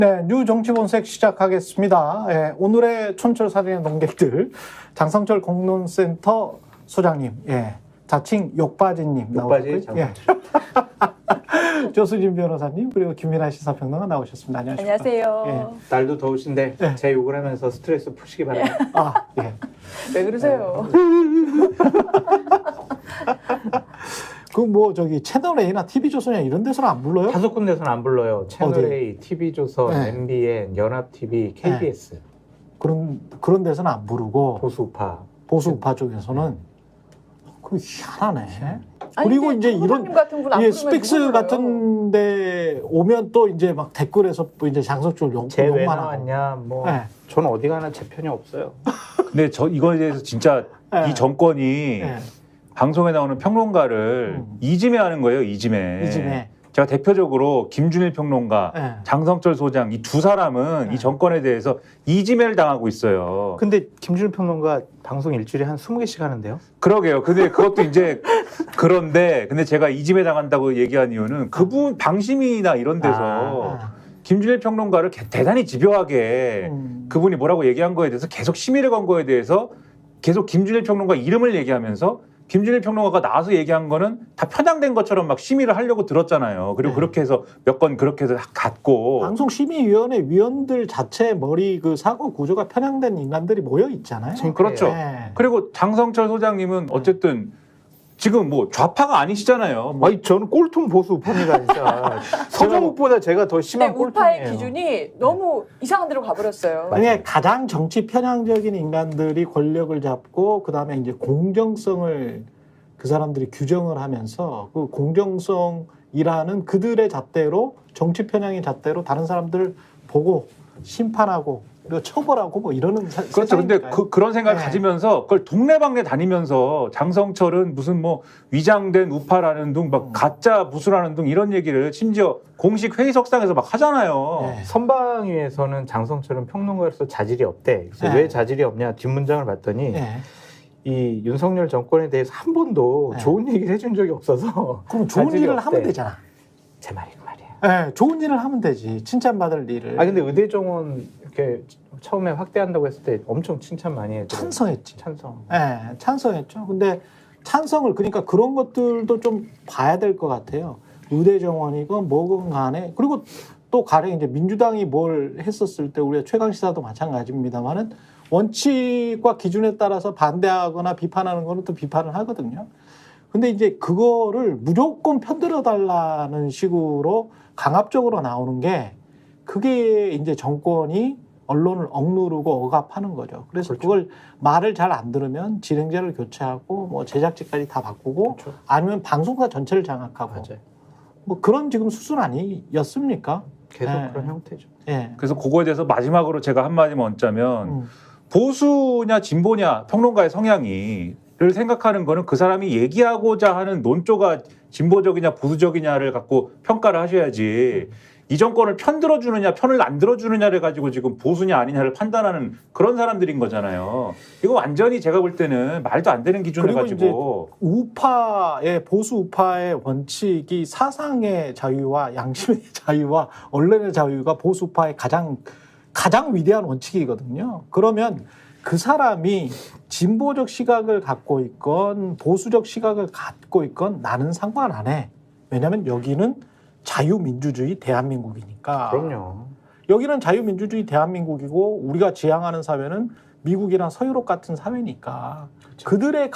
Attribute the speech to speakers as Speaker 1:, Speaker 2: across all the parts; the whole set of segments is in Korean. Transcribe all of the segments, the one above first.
Speaker 1: 네, 뉴 정치본색 시작하겠습니다. 예, 오늘의 촌철살인의 농객들 장성철 공론센터 소장님, 예, 자칭 욕바지님
Speaker 2: 욕바지
Speaker 1: 나오셨고요. 예. 조수진 변호사님 그리고 김민아 시사평론가 나오셨습니다. 안녕하십니까?
Speaker 3: 안녕하세요.
Speaker 1: 예.
Speaker 2: 날도 더우신데
Speaker 1: 네.
Speaker 2: 제 욕을 하면서 스트레스 푸시기 바랍니다.
Speaker 1: 아, 예.
Speaker 3: 왜 그러세요?
Speaker 1: 그 뭐 저기 채널 A나 TV조선이나 이런 데서는 안 불러요?
Speaker 2: 다섯 군데서는 안 불러요. 채널A, TV조선,
Speaker 1: 네.
Speaker 2: MBN, 연합TV, KBS.
Speaker 1: 그런 데서는 안 부르고
Speaker 2: 보수파.
Speaker 1: 보수우파 쪽에서는 그 희한하네.
Speaker 3: 아니,
Speaker 1: 그리고
Speaker 3: 근데
Speaker 1: 이제 이런
Speaker 3: 장모님 같은 분안
Speaker 1: 예,
Speaker 3: 부르면
Speaker 1: 스펙스
Speaker 3: 누구 불러요?
Speaker 1: 같은데 오면 또 이제 막 댓글에서 또 이제 장성철
Speaker 2: 쟤 왜
Speaker 1: 욕만 하고.
Speaker 2: 나왔냐, 뭐.
Speaker 1: 네.
Speaker 2: 저는 어디 가나 제 편이 없어요.
Speaker 4: 근데 저 이거에 대해서 진짜
Speaker 1: 네.
Speaker 4: 이 정권이
Speaker 1: 예,
Speaker 4: 방송에 나오는 평론가를 이지매하는 거예요. 이지매.
Speaker 1: 이지매.
Speaker 4: 제가 대표적으로 김준일 평론가,
Speaker 1: 예.
Speaker 4: 장성철 소장 이 두 사람은
Speaker 1: 네.
Speaker 4: 이 정권에 대해서 이지매를 당하고 있어요.
Speaker 2: 근데 김준일 평론가 방송 일주일에 한 20개씩 하는데요?
Speaker 4: 그러게요. 근데 그것도 이제 그런데 근데 제가 이지매 당한다고 얘기한 이유는 그분 방심이나 이런 데서 김준일 평론가를 대단히 집요하게 그분이 뭐라고 얘기한 거에 대해서 계속 심의를 건 거에 대해서 계속 김준일 평론가 이름을 얘기하면서 김준일 평론가가 나와서 얘기한 거는 다 편향된 것처럼 막 심의를 하려고 들었잖아요. 그리고
Speaker 1: 네.
Speaker 4: 그렇게 해서 몇 건 그렇게 해서 갔고.
Speaker 1: 방송심의위원회 위원들 자체 머리 그 사고 구조가 편향된 인간들이 모여 있잖아요.
Speaker 4: 그렇죠.
Speaker 1: 예.
Speaker 4: 그리고 장성철 소장님은 어쨌든 지금 뭐 좌파가 아니시잖아요. 뭐
Speaker 2: 아니, 저는 꼴통 보수파입니다, 진짜. 서정욱보다 제가 더
Speaker 3: 근데
Speaker 2: 심한
Speaker 3: 우파의
Speaker 2: 꼴통이에요.
Speaker 3: 기준이 너무 이상한 데로 가버렸어요.
Speaker 1: 만약에 가장 정치 편향적인 인간들이 권력을 잡고 그 다음에 이제 공정성을 그 사람들이 규정을 하면서 그 공정성이라는 그들의 잣대로 정치 편향의 잣대로 다른 사람들 보고 심판하고 그리고 처벌하고 뭐 이러는
Speaker 4: 그렇죠. 근데
Speaker 1: 세상이니까요.
Speaker 4: 그런 생각을
Speaker 1: 네.
Speaker 4: 가지면서 그걸 동네방네 다니면서 장성철은 무슨 뭐 위장된 우파라는 둥, 막 가짜 부수라는 둥 이런 얘기를 심지어 공식 회의석상에서 막 하잖아요.
Speaker 1: 네.
Speaker 2: 선방위에서는 장성철은 평론가로서 자질이 없대. 그래서
Speaker 1: 네.
Speaker 2: 왜 자질이 없냐 뒷문장을 봤더니
Speaker 1: 예.
Speaker 2: 이 윤석열 정권에 대해서 한 번도
Speaker 1: 네.
Speaker 2: 좋은 얘기를 해준 적이 없어서
Speaker 1: 그럼 좋은
Speaker 2: 자질이
Speaker 1: 일을
Speaker 2: 없대.
Speaker 1: 하면 되잖아.
Speaker 2: 제 말이 그 말이야.
Speaker 1: 예, 좋은 일을 하면 되지. 칭찬받을 일을.
Speaker 2: 아 근데 의대 정원 이렇게 처음에 확대한다고 했을 때 엄청 칭찬 많이 해요.
Speaker 1: 찬성했지.
Speaker 2: 찬성.
Speaker 1: 예, 찬성했죠. 근데 찬성을 그러니까 그런 것들도 좀 봐야 될 것 같아요. 의대 정원이건 뭐건 간에 그리고 또 가령 이제 민주당이 뭘 했었을 때 우리가 최강 시사도 마찬가지입니다만은 원칙과 기준에 따라서 반대하거나 비판하는 거는 또 비판을 하거든요. 근데 이제 그거를 무조건 편들어 달라는 식으로 강압적으로 나오는 게 그게 이제 정권이 언론을 억누르고 억압하는 거죠. 그래서
Speaker 2: 그렇죠.
Speaker 1: 그걸 말을 잘 안 들으면 진행자를 교체하고 뭐 제작진까지 다 바꾸고
Speaker 2: 그렇죠.
Speaker 1: 아니면 방송사 전체를 장악하고
Speaker 2: 맞아요.
Speaker 1: 뭐 그런 지금 수순 아니었습니까?
Speaker 2: 계속
Speaker 1: 네.
Speaker 2: 그런 형태죠.
Speaker 1: 예.
Speaker 4: 그래서 그거에 대해서 마지막으로 제가 한마디만 얹자면
Speaker 1: 음.
Speaker 4: 보수냐 진보냐 평론가의 성향이를 생각하는 거는 그 사람이 얘기하고자 하는 논조가 진보적이냐 보수적이냐를 갖고 평가를 하셔야지 이 정권을 편 들어주느냐 편을 안 들어주느냐를 가지고 지금 보수냐 아니냐를 판단하는 그런 사람들인 거잖아요. 이거 완전히 제가 볼 때는 말도 안 되는 기준을
Speaker 1: 그리고
Speaker 4: 가지고
Speaker 1: 우파의 보수 우파의 원칙이 사상의 자유와 양심의 자유와 언론의 자유가 보수 우파의 가장 위대한 원칙이거든요. 그러면 그 사람이 진보적 시각을 갖고 있건 보수적 시각을 갖고 있건 나는 상관 안 해. 왜냐하면 여기는 자유민주주의 대한민국이니까.
Speaker 2: 그럼요.
Speaker 1: 여기는 자유민주주의 대한민국이고 우리가 지향하는 사회는 미국이나 서유럽 같은 사회니까
Speaker 2: 그렇죠.
Speaker 1: 그들의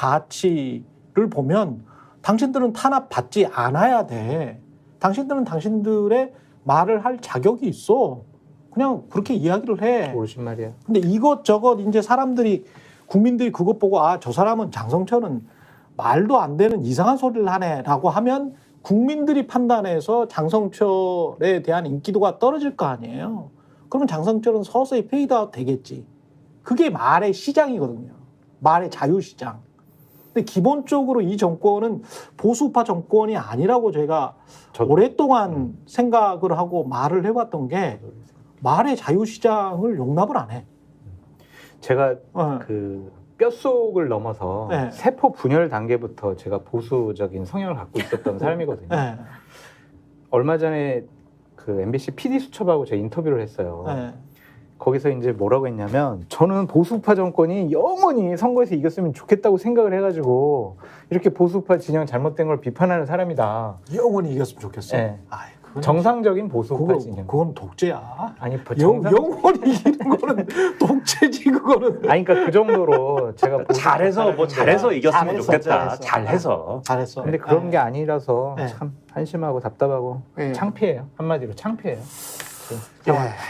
Speaker 1: 가치를 보면 당신들은 탄압받지 않아야 돼. 당신들은 당신들의 말을 할 자격이 있어. 그냥 그렇게 이야기를 해.
Speaker 2: 옳으신 말이야.
Speaker 1: 근데 이것저것 이제 사람들이 국민들이 그것 보고 아, 저 사람은 장성철은 말도 안 되는 이상한 소리를 하네라고 하면 국민들이 판단해서 장성철에 대한 인기도가 떨어질 거 아니에요. 그러면 장성철은 서서히 페이드아웃 되겠지. 그게 말의 시장이거든요. 말의 자유시장. 근데 기본적으로 이 정권은 보수파 정권이 아니라고 제가 오랫동안 생각을 하고 말을 해왔던 게 말의 자유시장을 용납을 안 해.
Speaker 2: 제가 그 뼛속을 넘어서
Speaker 1: 네.
Speaker 2: 세포 분열 단계부터 제가 보수적인 성향을 갖고 있었던 사람이거든요.
Speaker 1: 네.
Speaker 2: 얼마 전에 그 MBC PD 수첩하고 제가 인터뷰를 했어요.
Speaker 1: 네.
Speaker 2: 거기서 이제 뭐라고 했냐면 저는 보수파 정권이 영원히 선거에서 이겼으면 좋겠다고 생각을 해가지고 이렇게 보수파 진영 잘못된 걸 비판하는 사람이다.
Speaker 1: 영원히 이겼으면 좋겠어.
Speaker 2: 네.
Speaker 1: 아이, 그건
Speaker 2: 정상적인 보수파
Speaker 1: 그거,
Speaker 2: 진영.
Speaker 1: 그건 독재야.
Speaker 2: 아니
Speaker 1: 영원히 이기는 거는 독재지 그거는.
Speaker 2: 아니 그러니까 그 정도로 제가
Speaker 4: 잘해서 뭐 잘해서 이겼으면
Speaker 1: 잘했어,
Speaker 4: 좋겠다.
Speaker 1: 잘했어.
Speaker 4: 잘해서.
Speaker 1: 잘했어.
Speaker 2: 근데 그런 게 아니라서
Speaker 1: 네.
Speaker 2: 참 한심하고 답답하고
Speaker 1: 네.
Speaker 2: 창피해요. 한마디로 창피해요.
Speaker 1: 예.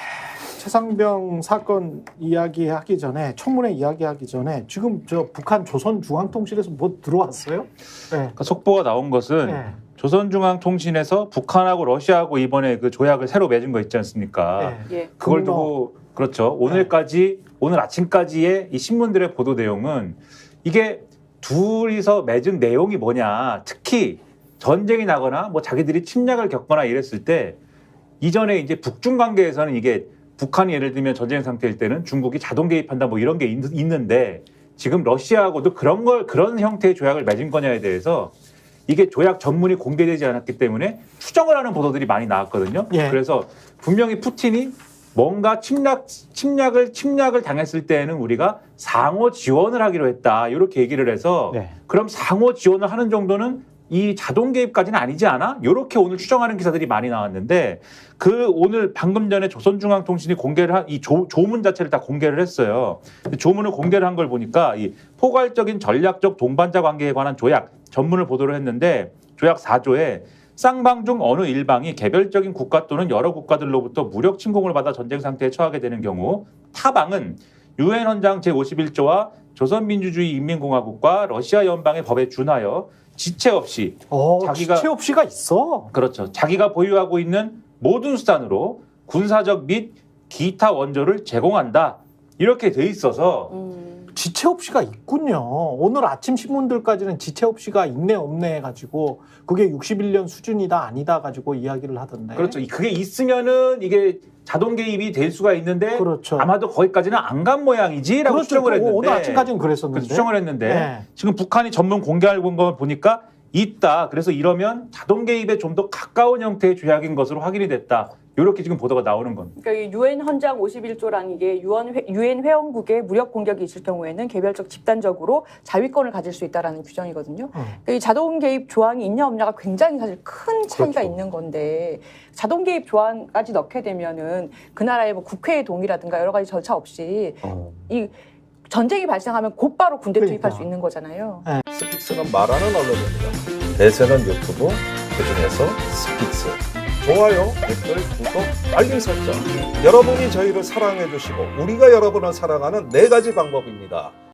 Speaker 1: 최상병 사건 이야기하기 전에 청문회 이야기하기 전에 지금 저 북한 조선중앙통신에서 뭐 들어왔어요? 네.
Speaker 4: 그러니까 속보가 나온 것은
Speaker 1: 네.
Speaker 4: 조선중앙통신에서 북한하고 러시아하고 이번에 그 조약을 새로 맺은 거 있지 않습니까?
Speaker 1: 네.
Speaker 3: 예.
Speaker 4: 그걸
Speaker 1: 분노.
Speaker 4: 두고 그렇죠. 오늘 아침까지의 이 신문들의 보도 내용은 이게 둘이서 맺은 내용이 뭐냐. 특히 전쟁이 나거나 뭐 자기들이 침략을 겪거나 이랬을 때 이전에 이제 북중 관계에서는 이게 북한이 예를 들면 전쟁 상태일 때는 중국이 자동 개입한다 뭐 이런 게 있는데 지금 러시아하고도 그런 형태의 조약을 맺은 거냐에 대해서 이게 조약 전문이 공개되지 않았기 때문에 추정을 하는 보도들이 많이 나왔거든요.
Speaker 1: 예.
Speaker 4: 그래서 분명히 푸틴이 뭔가 침략을 당했을 때에는 우리가 상호 지원을 하기로 했다. 이렇게 얘기를 해서
Speaker 2: 네.
Speaker 4: 그럼 상호 지원을 하는 정도는 이 자동 개입까지는 아니지 않아? 이렇게 오늘 추정하는 기사들이 많이 나왔는데 그 오늘 방금 전에 조선중앙통신이 공개를 한 이 조문 자체를 다 공개를 했어요. 조문을 공개를 한 걸 보니까 이 포괄적인 전략적 동반자 관계에 관한 조약 전문을 보도를 했는데 조약 4조에 쌍방 중 어느 일방이 개별적인 국가 또는 여러 국가들로부터 무력 침공을 받아 전쟁 상태에 처하게 되는 경우 타방은 유엔 헌장 제51조와 조선민주주의 인민공화국과 러시아 연방의 법에 준하여 지체 없이 자기가
Speaker 1: 지체 없이가 있어.
Speaker 4: 그렇죠. 자기가 보유하고 있는 모든 수단으로 군사적 및 기타 원조를 제공한다. 이렇게 돼 있어서
Speaker 1: 지체 없이가 있군요. 오늘 아침 신문들까지는 지체 없이가 있네 없네 해가지고 그게 61년 수준이다 아니다 가지고 이야기를 하던데.
Speaker 4: 그렇죠. 그게 있으면은 이게 자동 개입이 될 수가 있는데
Speaker 1: 그렇죠.
Speaker 4: 아마도 거기까지는 안 간 모양이지라고
Speaker 1: 그렇죠.
Speaker 4: 추정을 했는데
Speaker 1: 오늘 아침까지는 그랬었는데.
Speaker 4: 그래서 추정을 했는데
Speaker 1: 네.
Speaker 4: 지금 북한이 전문 공개한 걸 보니까 있다. 그래서 이러면 자동 개입에 좀 더 가까운 형태의 조약인 것으로 확인이 됐다. 이렇게 지금 보도가 나오는 겁니다.
Speaker 3: 그러니까 이 유엔 헌장 51조라는 게 유엔 회원국의 무력 공격이 있을 경우에는 개별적 집단적으로 자위권을 가질 수 있다라는 규정이거든요. 그러니까 이 자동 개입 조항이 있냐 없냐가 굉장히 사실 큰 차이가
Speaker 2: 그렇죠.
Speaker 3: 있는 건데 자동 개입 조항까지 넣게 되면은 그 나라의 뭐 국회의 동의라든가 여러 가지 절차 없이 이 전쟁이 발생하면 곧바로 군대 투입할
Speaker 1: 그러니까.
Speaker 3: 수 있는 거잖아요.
Speaker 5: 스픽스는 말하는 언론입니다. 대세는 유튜브, 그중에서 스픽스. 좋아요, 댓글, 구독, 알림 설정. 여러분이 저희를 사랑해 주시고 우리가 여러분을 사랑하는 4가지 방법입니다.